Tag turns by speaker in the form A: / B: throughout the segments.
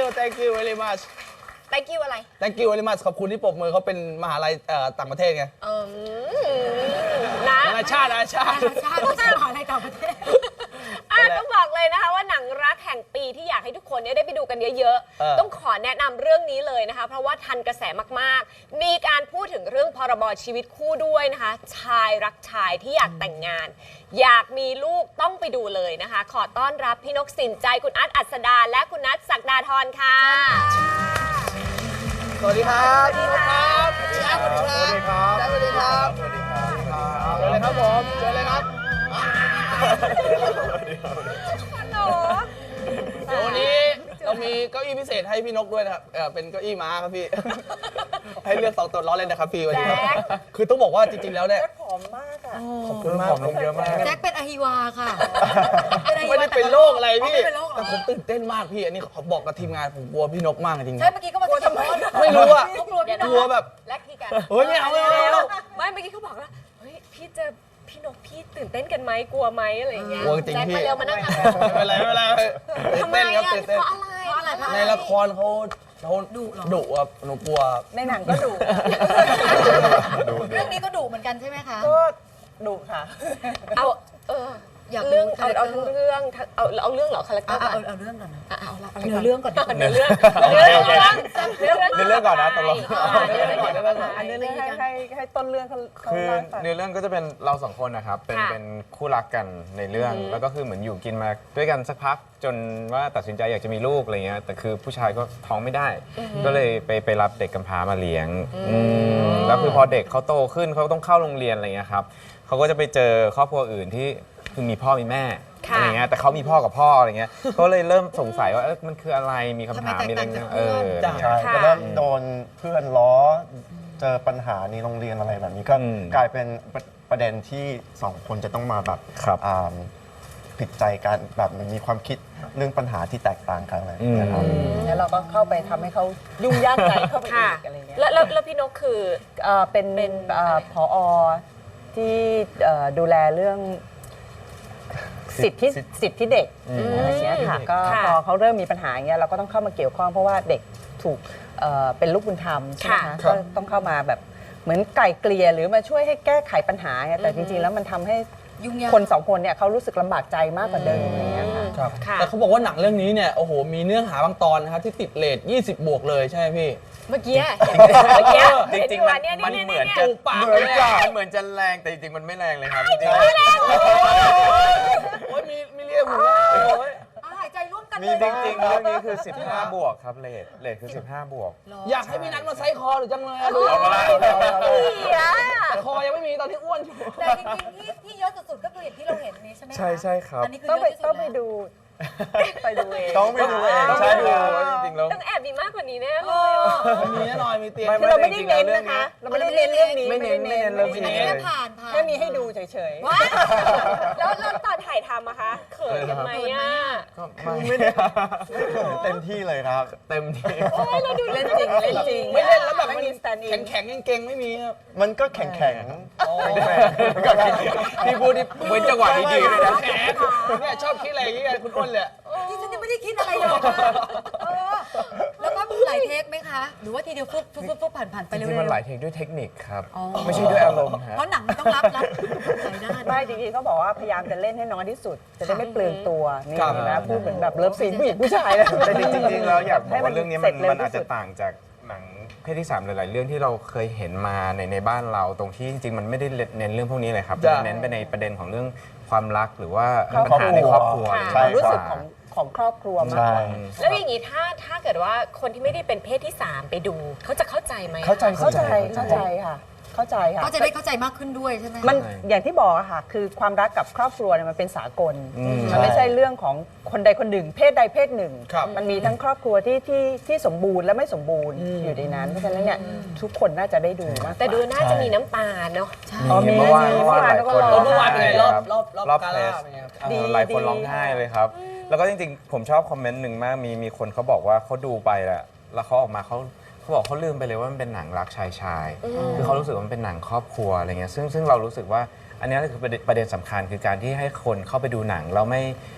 A: thank you very much
B: thank you อะไร
A: thank you very much ขอบคุณที่ปรบมือเขาเป็นมหาลัยต่างประเทศไง
B: นะ
A: นานาชาติ
C: ชาติไม่ใช่มหาลัยต่างประเทศ
B: ต้องบอกเลยนะคะว่าหนังรักแห่งปีที่อยากให้ทุกคนได้ไปดูกันเยอะๆต้องขอแนะนำเรื่องนี้เลยนะคะเพราะว่าทันกระแสมากๆมีการพูดถึงเรื่องพรบชีวิตคู่ด้วยนะคะชายรักชายที่อยากแต่งงานอยากมีลูกต้องไปดูเลยนะคะขอต้อนรับพี่นกสินใจคุณอัดอัศดาและคุณนัทศักดาธรค่ะ
A: สวัสดีครับสวัสดีครับสวัสดีครับสวัสดีครับ
D: สวัสดีครับ
A: เชิญเลยครับผมเชิญเลยครับเดี๋ยววันนี้เรามีเก้าอี้พิเศษให้พี่นกด้วยนะครับเป็นเก้าอี้ม้าครับพี่ให้เลือก2ตัวล้อเล่นนะครับพี่วันนี้ครับคือต้องบอกว่าจริงๆแล้วเนี่ย
D: ผอมมากอ่ะ
A: ขอบคุณมาก
D: ผอมลงเยอะมาก
C: แจ็คเป็นอหิวาค่ะ
A: ไม่ได้เป็นโรคอะไรพี่แต่ผมตื่นเต้นมากพี่อันนี้เขาบอกกับทีมงานผมกลัวพี่นกมากจริงๆ
C: ใช่เมื่อกี้ก็มาทำไม
A: ไม่รู้อะ
C: กลัวพี่น
A: กลัวแบบ
B: แลกพี่กัน
A: เฮ้ยไม่เอาไม่
B: เมื่อกี้เขาบอกว่าเฮ้ยพี่เจอพี่นกพี่ตื่นเต้นกันไหมกลัวไหมอะไรอย่างเงี้ย
A: กลัวจริงพี่
B: มาเร็วมานั่งทำ
A: ไม่เป็นไรตื่นเต้นครับตื่นเต้น
B: เพราะอะไร
A: ในละครเขาดุครับหนูกลัว
D: ในหนังก็ดุ
C: เรื่องนี้ก็ดุเหมือนกันใช่ไหมคะ
D: ก็ดุค่ะ
B: เอา
C: อยาก
B: เรื่องเอาทั้งเรื่องเอาเรื่องเหรอคาแรคเตอร์
C: เอาเรื่องก่อนนะเอาเรื่องก่อน
B: เนื้อเรื่อง
D: ก่อนนะตลอด
E: อันเนื้อเรื่องให้ต้นเรื่องเขาคือเนื้อเรื่องก็จะเป็นเราสองคนนะครับเป็นคู่รักกันในเรื่องแล้วก็คือเหมือนอยู่กินมาด้วยกันสักพักจนว่าตัดสินใจอยากจะมีลูกอะไรเงี้ยแต่คือผู้ชายก็ท้องไม่ได้ก็เลยไปรับเด็กกำพร้ามาเลี้ยงแล้วคือพอเด็กเขาโตขึ้นเขาต้องเข้าโรงเรียนอะไรเงี้ยครับเขาก็จะไปเจอครอบครัวอื่นที่คือมีพ่อมีแม่อะไรเงี้ยแต่เขามีพ่อกับพ่ออะไรเงี้ยก็เลยเริ่มสงสัยว่ามันคืออะไรมีคำถามมีอะไรเงี้ย
F: ใช่ก็เริ่มโดนเพื่อนล้อเจอปัญหาในโรงเรียนอะไรแบบนี้ก็กลายเป็นประเด็นที่2คนจะต้องมาแบบผิดใจกันแบบมันมีความคิดเรื่องปัญหาที่แตกต่างกันอะไรนะครับ
D: แล้วเราก็เข้าไปทำให้เขายุ่งยากใจเข้าไปอีกอะไรเงี้ย
B: แล้วพี่นกคือ
D: เป็นผอ.ที่ดูแลเรื่องสิทธิเด็กอะไรเงี้ยค่ะก็พอเขาเริ่มมีปัญหาอย่างเงี้ยเราก็ต้องเข้ามาเกี่ยวข้องเพราะว่าเด็กถูกเป็นลูกบุญธรรมใช่ไหมคะก็ต้องเข้ามาแบบเหมือนไก่เกลี่ยหรือมาช่วยให้แก้ไขปัญหาแต่จริงๆแล้วมันทำให้คน2คนเนี่ยเขารู้สึกลำบากใจมากกว่าเดิมอะไรเงี้ย
A: ค่ะแต่เขาบอกว่าหนังเรื่องนี้เนี่ยโอ้โหมีเนื้อหาบางตอนนะครับที่ติดเรท20 บวกเลยใช่ไหมพี่
B: เมื่อกี้
E: จริงๆมันเหมือนจะเหมือนจะแรงแต่จริงๆมันไม่แรงเลยครับจริงๆ
A: ไม่แรงโอ้ยมีเรียกผมว่า
C: หายใจร่วมกัน
E: มีจริงๆเรื่องนี้คือ15 บวกครับเรทคือ15 บวก
A: อยากให้พี่นัทมาไซคอหรือจังเลยดูแต่คอยังไม่มีตอนที่อ้วนอยู่
C: แต่จริงๆที่เยอะสุดๆก็คืออย่างที่เราเห็นนี้ใช่ไหม
E: ใช่ครับ
D: ต้องไปดูเอง
F: ต้องไปดูเอง
E: ใช่ดูจริงๆแล้ว
B: ต้องแอบมีมากกว่านี้แน่เลย
A: มีแน่นอนมีเตียง
D: เราไม่ได้เน้นนะคะเราไม่ได้เน้นเรื่องนี้
E: ไม่เน้นเรื่องนี้
C: อันนี้แค่ผ่าน
D: แค่มีให้ดูเฉยๆ
B: แล้วตอนถ่ายทำอะคะเขินกันไหมอะ
E: ก็ไม่ได้
F: เต็มที่เลยครับ
E: เต็มที่
B: เราดู
D: เล่นจริง
A: ไม่เล่นแล้วแบบแข็งเก่งไม่มีครับ
F: มันก็แข็ง
E: พี่พูดที่เว้นจังหวะดีๆเลยนะ
A: แข็งเนี่ยชอบคิดอะไรอย่างเงี้ยคุณอ้นเลย
C: ที่ฉันยังไม่ได้คิดอะไรเลยแล้วก็หลายเทคไหมคะหรือว่าทีเดียวฟุบผ่านไปเร็วๆ
E: จริงๆมันหลายเทคด้วยเทคนิคครับไม่ใช่ด้วยอารมณ์ฮะ
C: เพราะหนังมันต้องรับหลายด้าน
D: ไม่จริงๆเขาบอกว่าพยายามจะเล่นให้น้อยที่สุดจะได้ไม่เปลืองตัวนี่นะพูดเหมือนแบบเลิฟซีนผู้หญิงผู้ชายเลย
E: แต่จริงๆแล้วอยากบอกว่าเรื่องนี้มันอาจจะต่างจากหนังเพศที่3หลายๆเรื่องที่เราเคยเห็นมาในบ้านเราตรงที่จริงๆมันไม่ได้เน้นเรื่องพวกนี้เลยครับเน้นไปในประเด็นของเรื่องความรักหรือว่าปัญหาในครอบครัว
D: ความรู้สึกของครอบครัวมากกว่า
B: แล้วอย่างนี้ถ้าเกิดว่าคนที่ไม่ได้เป็นเพศที่3ไปดูเขาจะเข้าใจไหม
D: เข้าใจค่ะเข้าใจค่ะ
C: ก็จะได้เข้าใจมากขึ้นด้วยใช่ไหม
D: มันอย่างที่บอกอะค่ะคือความรักกับครอบครัวเนี่ยมันเป็นสากลมันไม่ใช่เรื่องของคนใดคนหนึ่งเพศใดเพศหนึ่งมันมีทั้งครอบครัวที่สมบูรณ์และไม่สมบูรณ์อยู่ในนั้นเพราะฉะนั้นเนี่ยทุกคนน่าจะได้ดูมาก
B: แต่ดูน่าจะมีน้ำตาเนาะ
E: มีเมื่อวานหลายคน
A: เมื่อวานเป็นไงรอบ
E: เพลสหลายคนร้องไห้เลยครับแล้วก็จริงๆผมชอบคอมเมนต์หนึ่งมากมีคนเขาบอกว่าเขาดูไปแล้วเขาออกมาเขาบอกเขาลืมไปเลยว่ามันเป็นหนังรักชายคือเขารู้สึกว่ามันเป็นหนังครอบครัวอะไรเงี้ยซึ่งเรารู้สึกว่าอันนี้คือประเด็นสำคัญคือการที่ให้คนเข้าไปดูหนังแล้ว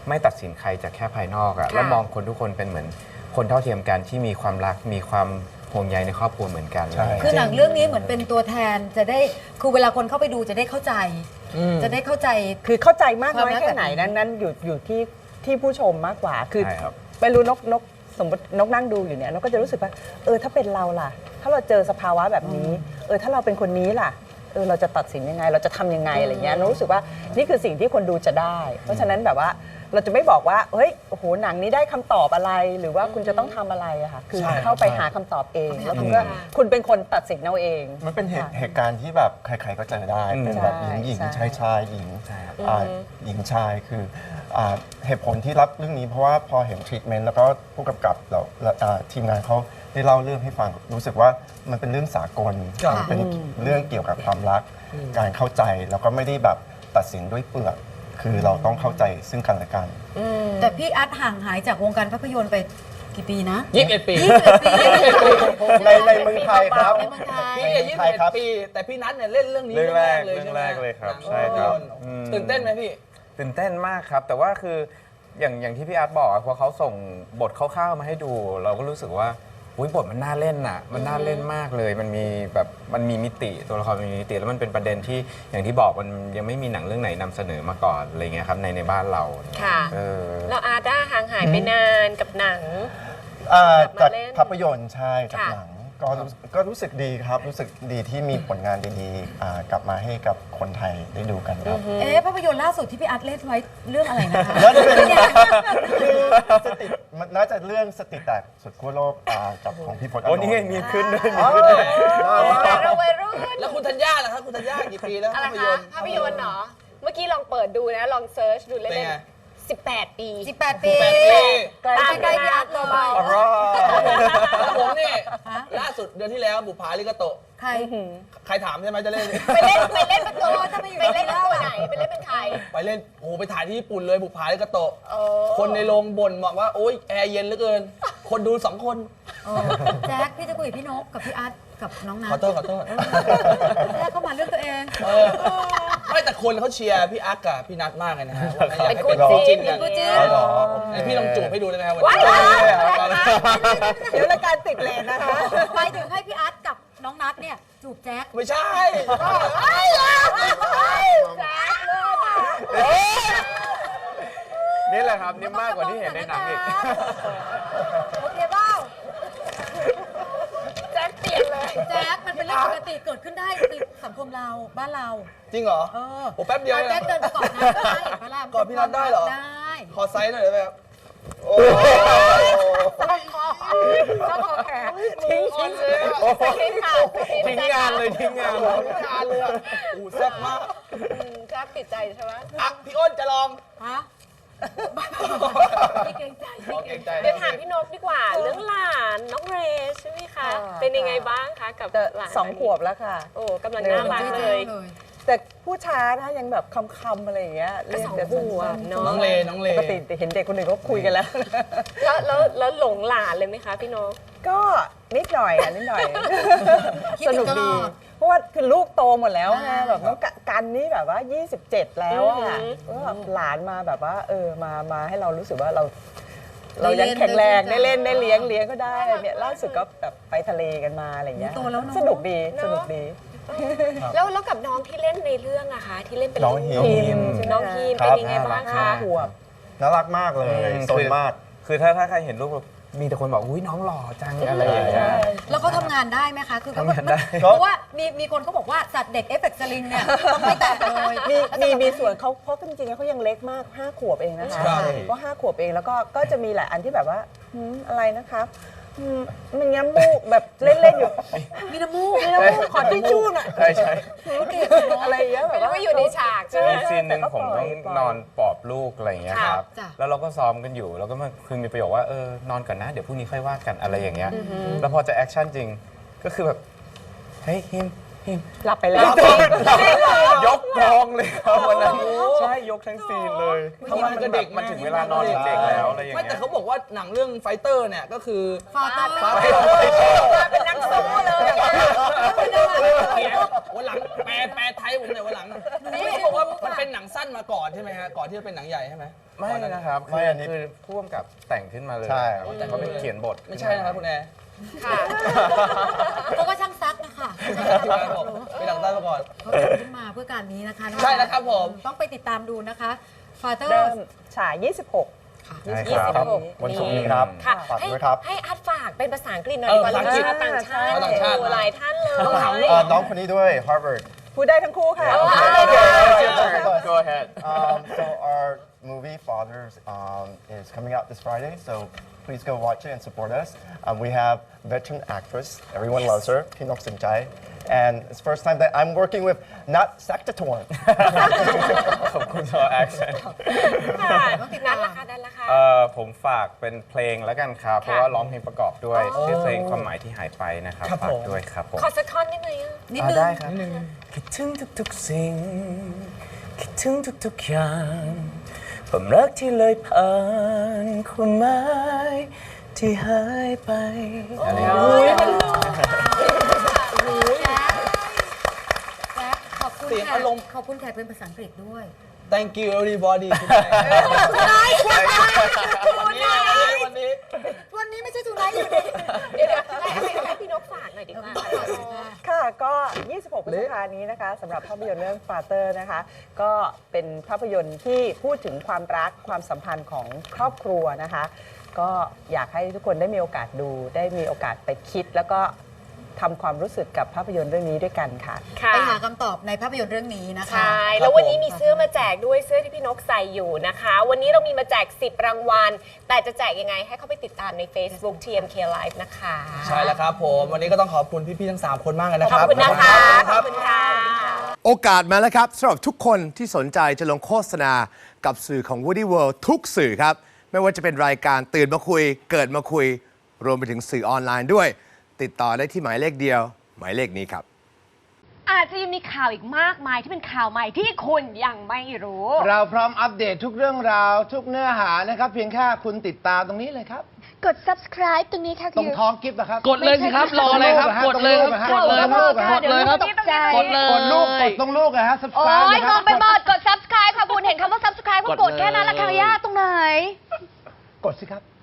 E: ไม่ตัดสินใครจากแค่ภายนอกอะแล้วมองคนทุกคนเป็นเหมือนคนเท่าเทียมกันที่มีความรักมีความห่วงใยในครอบครัวเหมือนกัน
C: คือหนังเรื่องนี้เหมือนเป็นตัวแทนจะได้คือเวลาคนเข้าไปดูจะได้เข้าใจ จะได้เข้าใจ
D: คือเข้าใจมากน้อย
C: ความรัก
D: แค่ไหน
C: แบบนี้
D: นั้นอยู่ที่ผู้ชมมากกว่า คือ
E: ใช่ครับ
D: ไม่รู้นกสมมตินกนั่งดูอยู่เนี่ยนกก็จะรู้สึกว่าถ้าเป็นเราล่ะ ถ้าเราเจอสภาวะแบบนี้ถ้าเราเป็นคนนี้ล่ะเราจะตัดสินยังไง เราจะทำยังไงอะไรเงี้ยนกรู้สึกว่านี่คือสิ่งที่คนดูจะได้ เพราะฉะนั้นแบบว่าเราจะไม่บอกว่าเฮ้ยโอ้โหหนังนี้ได้คำตอบอะไร หรือว่าคุณจะต้องทำอะไรอะค่ะคือเข้าไปหาคำตอบเองแล้วคุณเป็นคนตัดสินเอาเอง
F: มันเป็นเหตุการณ์ที่แบบใครๆก็เจอได้ เป็นแบบหญิง
D: ใช่
F: ชายหญิงหญิงชายคือเหตุผลที่รับเรื่องนี้เพราะว่าพอเห็นทรีทเมนต์แล้วก็ผู้กำกับเราทีมงานเขาได้เล่าเรื่องให้ฟังรู้สึกว่ามันเป็นเรื่องสากลมันเป็นเรื่องเกี่ยวกับความรักการเข้าใจแล้วก็ไม่ได้แบบตัดสินด้วยเปลือกคือเราต้องเข้าใจซึ่งกันและกัน
C: แต่พี่อาร์ตห่างหายจากวงการภาพยนตร์ไปกี่ปีนะ
A: 21 ปี
C: 21 ปี
F: ในเมืองไทยครับ
C: ในเมืองไทย
A: พี่เนี่ย21 ปี แต่พี่นัทเนี่ยเล่นเรื่องนี้
E: เรื่องแรก
A: เลยใช่ไหม
E: เรื่องแรกเลยครับ
A: หนัง
E: ใช่ครับ
A: ภาพยนตตื่นเต้นไหมพี่
E: ตื่นเต้นมากครับ แต่ว่าคืออย่างที่พี่อาร์ตบอกพอเขาส่งบทคร่าวๆมาให้ดู เราก็รู้สึกว่าอุ๊ยบทมันน่าเล่นน่ะมันน่าเล่นมากเลย มันมีแบบมันมีมิติตัวละครมันมีมิติแล้วมันเป็นประเด็นที่อย่างที่บอกมันยังไม่มีหนังเรื่องไหนนำเสนอมาก่อนอะไรเงี้ยครับในบ้านเรา
B: ค่ะ
E: เออ
B: เราอาร์ตห่างหายไปนานกับหนัง
F: จาก
B: เล่น
F: ภาพยนตร์ใช่จาก
B: ค่ะ
F: หนังก็รู้สึกดีครับ รู้สึกดีที่มีผลงานดีๆกลับมาให้กับคนไทยได้ดูกันครับ
C: ภาพยนตร์ล่าสุดที่พี่อาร์ตเล่นไว้เรื่องอะไรนะคะ
F: น่าจะเป็นคือมันน่าจะเรื่องสติแตกสุดขั้วโลกกับของพี่พจน์
E: โอ้นี่ไงมีขึ้นด้วย
F: อ๋อ
B: แต่เราวัยรุ่น
A: แล้วคุณธัญญาล่ะครับคุณธัญญากี่ปีแล้ว
B: อะไร
A: ภาพย
B: คะ
A: นตร์
B: ภาพยนตร์เหรอ เมื่อกี้ลองเปิดดูนะ ลองเซิร์ชดู
A: เป็น
B: เล่น
A: ไง
B: ๆ18 ปี
C: 18 ปี
A: 8 ปี
B: ตาม
C: ใกล้
B: กัน
C: พี่อาร์ตเลย
B: เบา
A: แล้วผมนี่ล่าสุดเดือนที่แล้วบุปผาลิกาโตะ
C: ใคร
A: ใครถามใช่ไหมจะเล่น
B: ๆไปเล่นเป็นตัว
C: ถ้าไม่อยู่
B: ไปเล่น
C: ใน
B: เป็น
C: เล่า
B: ตัว
C: อะ
B: ไหนไปเล่นเป็นใคร
A: ไปเล่นโอ้โหไปถ่ายที่ญี่ปุ่นเลยบุปผาลิกาโตะ
B: โอ้
A: คนในโรงบ่นบอกว่าโอ๊ยแอร์เย็นเหลือเกิน คนดู2 คน
C: แจ็คพี่จะคุยกับพี่นกกับพี่อาร์ตกับน้องนัท
A: ขอโทษขอโทษ
C: แจ็คเข้ามาเรื่องตัวเอง
A: ไม่แต่คนเขาเชียร์พี่อักกับพี่นัทมากเลยนะฮะว่าอยาก
B: เป็น
A: ให้
B: คู่
A: เป็น
B: จี
A: คู่
B: น
A: จิ้นกัน
C: เป็นคู่จิ้น
A: อ๋อเหรอพี่ลองจูบให้ดูได้ไหมครับวัน
B: ว้า
A: นี้
D: เดี๋ยวรายการติดเลนนะคะ
C: ไปถึงให้พี่อาร์ตกับน้องนัทเนี่ยจูบแจ็ค
A: ไม่ใช่
E: นี่แหละครับนี่มากกว่าที่เห็นในหนังอีก
C: โอเคเปล่า
B: แจ็คเปลี่ยนเลย
C: แจ็คมันเป็นเรื่องปกติเกิดขึ้นได้ในสังคมเราบ้านเรา
A: จริงเหรอ
C: เออ
A: โอ้แป๊บเดียว
C: อา
A: เอง
C: แจ็ค
A: นะ
C: เดินไปก่อนนะได้เห็นปะล่ะ
A: กอดพี่นัทได้เหรอ
C: ได้
A: ขอไซส์หน่อยได้ไหมครับโอ้
B: ต้องขอแขกทิ้งเลยทิ้งค่ะ
E: ทิ้งงานเลยทิ้งงาน
A: โหงานเลยอ่ะโอ้แซ่บมาก
B: แจ็คติดใจใช่ไหม
A: อ่ะพี่อ้นจะลอง
C: ฮะพี่เกรงใจ
A: ขอเก่งใจ
B: เดี๋ยวถามพี่นกดีกว่า เรื่องหลานน้องเรย์ใช่ไหมคะ เป็นยังไงบ้างคะกับหลาน
D: 2 ขวบแล้วค่ะ
B: โอ้กำลังน่ารักเลย
D: แต่พูดช้านะยังแบบคำๆอะไรอย่างเงี้ย
B: ก็
D: เรียก
B: สอง
D: แต่
B: ขวบเนอะ
A: น้องเลน้องเล
D: ปกติเห็นเด็กคนอื่นเขาคุยกันแล้ว
B: แล้วหลงหลานเลยไหมคะพี่นก
D: ก็นิดหน่อยนิดหน่อย
C: คิด
D: ส
C: ถึ
D: นุ
C: ง
D: ก
C: ตล
D: ดี
C: อด
D: เพราะว่าคือลูกโตหมดแล้วไง
C: อ่า
D: แบบน้องกันนี่แบบว่า 27 แล้วอ่ะ
B: อือหือ
D: ก็แบบหลานมาแบบว่ามาให้เรารู้สึกว่าเรายังแข็งแรงได้เล่นได้เลี้ยงก็ได้เนี่ยล่าสุดก็แบบไปทะเลกันมาอะไรเงี้ย
C: โตแล้วเนอะ
D: สนุกดีสนุกดี
B: แล้วกับน้องที่เล่นในเรื่องอะคะที่เล่นเป็น
F: น้อง
B: ลูก
F: ฮิม
B: น้องฮีม
F: ครั
B: เป็น
F: บ
B: ยังไงบ้าง
D: ห้า
B: คะ
D: ขวบ
F: น่ารักมากเลยโซนมาก
E: คือถ้าใครเห็นรูปแบบมีแต่คนบอกอุ้ยน้องหล่อจังอะไรอย่างเงี้ย
C: แล้วเขาทำงานได้ไหมคะ คือเขา
E: ทำงานได้
C: เพราะว่ามีคนเขาบอกว่าสัตว์เด็กเอฟเฟกต์สลิงเนี่ยต้องไม่แตะเลย
D: มีส่วนเขาเพราะจริงๆเขายังเล็กมาก 5 ขวบเองนะคะ
A: ใช่
D: ก็5 ขวบเองแล้วก็จะมีหลายอันที่แบบว่าอะไรนะครับมันย้ำมูกแบบเล่นๆอยู่
C: มีน้ำมูก
D: ขอทิชชู่หน่อย
E: ใช่ใช่
D: อะไรอย่างเงี้ยแบ
B: ไม่
D: บ
B: รู้
D: ว่า
B: ว่าอยู่ในฉากใช่ไหม
E: มีซีนหนึ่งผมต้องนอนปลอบลูกอะไรอย่างเงี้ยครับ
C: จ้ะ
E: แล้วเราก็ซ้อมกันอยู่ แล้วก็คือมีประโยคว่า นอนก่อนนะ เดี๋ยวพรุ่งนี้ค่อยว่ากันอะไรอย่างเงี้ย แล้วพอจะแอคชั่นจริง ก็คือแบบ เฮ้ยฮิม
D: หลับไปแล้ว
E: ยกกองเลยครับวันนั้นใช่ยกทั้งซีนเลย
A: ทำไมมันก็เด็ก
E: มันถึงเวลานอนของเด็กแล้วอะไรอย่าง
A: ไม่
E: เงี้
A: แต่
E: ย
A: เขาบอกว่าหนังเรื่องไฟเตอร์เนี่ยก็คือ
C: ฟาเตอร์
A: ฟาเตอร์
B: เป็นนักสู้เลย
A: วันหลังแปลไทยผมหน่อยวันหลังนี่เขาบอกว่ามันเป็นหนังสั้นมาก่อนใช่ไหมฮะก่อนที่จะเป็นหนังใหญ่ใช่ไหม
E: ไม่นะครับ
F: ไม่อันนี้
E: คือพ่วงกับแต่งขึ้นมาเลย
F: ใช่
E: ครับแต่เขาเป็นเขียนบท
A: ไม่ใช่นะครับคุณแอร์
B: ค่ะ
C: เขาก็ช่างซักนะคะ
A: ทีมงานบอกเป็นหนังสั้นมาก่อน
C: เขาทำขึ้นมาเพื่อการนี้นะคะ
A: ใช่แล้วครับผม
C: ต้องไปติดตามดูนะคะฟาเตอ
D: เริ่
C: ร์
D: มฉาย 26
F: ใช่ครับ
B: 26
F: วันศุกร์นี้ครับ
B: ค่ะ
F: ฝาก
B: ให้
F: ด้วยครับ
B: ให้อัดฝากเป็นภาษาอังกฤษหน่อยดีกว่า
A: ภาษาอังกฤษ
B: ชาวต่างชาติ
A: ชาวต่างชาติ
B: หลายท่านเลย
A: ต้องถามลูก
F: น้องคนนี้ด้วย Harvard
D: พูดได้ทั้งคู่ค่ะ
E: Go ahead
F: So our movie Fathers is coming out this Friday. So please go watch it and support us. We have veteran actress, everyone loves her, Pinok Sinchai. And it's the first time that I'm working with Nat Saktatorn.
E: ขอบคุณสำหรับ accent
B: ค่ะนั่นละค่ะนั่นละค่ะ
E: ผมฝากเป็นเพลงแล้วกันครับ เพราะว่าร้องเพลงประกอบด้วยชื่อเพลงความหมายที่หายไปนะครับ
A: ครับ
E: ฝา
A: ผ
E: ก
A: ม
E: ด้วยครับผม
B: ขอสักท่อนได้ไหมอะ
C: นิดนึง
E: ได้ครับคิดถึงทุกๆสิ่ง คิดถึงทุกๆอย่างความรักที่เลยผ่านความหมายที่หายไปอะไรอย่างเงี้ย
C: แจ๊คขอบคุณ
A: เสียง
C: แขก
A: อารมณ์
C: ขอบคุณแขกเป็นภาษาอังกฤษด้วย
A: Thank you everybody คุณแม่วันนี้
C: วันนี้ไม่ใช่ทูไนท์อยู่ดี
B: เดี๋ยวให้พี่นกฝากหน่อยดีกว่า
D: ค่ะก็ 26 พฤษภาคมนี้นะคะสำหรับภาพยนตร์เรื่อง Father นะคะ ก็เป็นภาพยนตร์ที่พูดถึงความรักความสัมพันธ์ของครอบครัวนะคะ ก็อยากให้ทุกคนได้มีโอกาสดู ได้มีโอกาสไปคิด แล้วก็ทำความรู้สึกกับภาพยนตร์เรื่องนี้ด้วยกันค่ะ
B: ค่ะ
C: ไปหาคำตอบในภาพยนตร์เรื่องนี้นะคะ
B: ใช่ แล้ววันนี้มีเสื้อมาแจกด้วยเสื้อที่พี่นกใส่อยู่นะคะ วันนี้เรามีมาแจก 10 รางวัล แต่จะแจกยังไงให้เข้าไปติดตามใน Facebook TMK Live นะคะ
A: ใช่แล้วครับผม วันนี้ก็ต้องขอบคุณพี่ๆทั้ง 3 คนมากเลยนะ
B: ข
A: ค
B: อบ
A: รับ
B: คุณนะคะ ข
A: ค
B: อ
A: รั
B: บบ คุณค่ะ
G: โอกาสมาแล้วครับสำหรับทุกคนที่สนใจจะลงโฆษณากับสื่อของ Woody World ทุกสื่อครับ ไม่ว่าจะเป็นรายการตื่นมาคุย เกิดมาคุย รวมไปถึงสื่อออนไลน์ด้วย ติดต่อได้ที่หมายเลขเดียว หมายเลขนี้ครับ
H: อาจจะยังมีข่าวอีกมากมายที่เป็นข่าวใหม่ที่คุณยังไม่รู้
I: เราพร้อมอัปเดตทุกเรื่องราว ทุกเนื้อหานะครับ เพียงแค่คุณติดตามตรงนี้เลยครับ
H: กด subscribe ตรงนี้ค่ะ
I: ตรงท้องกิฟต์นะครับ
H: กดเลยสิครับรออะไรครับ
I: กดเลยครับกดเลยครับ
H: กดเลยครับตกใจ
I: กดลูกกดตรงลูกนะฮะ
H: โอ้
I: subscribe
H: ย
I: นะค
H: ง
I: รั
H: งไปหมดกด subscribe ค่ะคุณเห็นคำว่า subscribe ก็กดแค่นั้นละค่ะย่าตรงไหน
I: กดสิครับ